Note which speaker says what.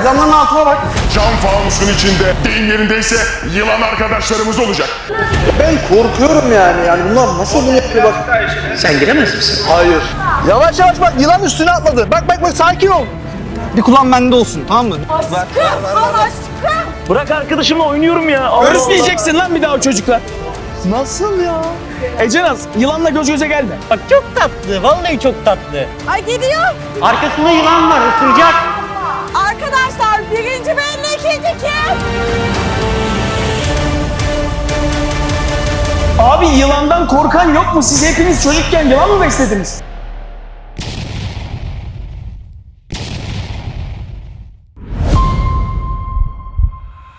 Speaker 1: Camların altına bak.
Speaker 2: Cam fanusun içinde deyim yerindeyse yılan arkadaşlarımız olacak.
Speaker 1: Ben korkuyorum yani bunlar nasıl bunu yapıyor bak.
Speaker 3: Sen giremez misin?
Speaker 1: Hayır. Yavaş yavaş bak, yılan üstüne atladı. Bak sakin ol. Bir kulağın bende olsun, tamam mı?
Speaker 4: Bırak arkadaşımla oynuyorum ya.
Speaker 5: Görüşmeyeceksin lan bir daha o çocukla.
Speaker 1: Nasıl ya?
Speaker 5: Ecenaz, yılanla göz göze gelme.
Speaker 3: Bak çok tatlı, vallahi çok tatlı.
Speaker 6: Ay gidiyor.
Speaker 3: Arkasında yılan var, ısıracak.
Speaker 6: Arkadaşlar birinci belli, ikinci kim?
Speaker 5: Abi yılandan korkan yok mu? Siz hepiniz çocukken yılan mı beslediniz?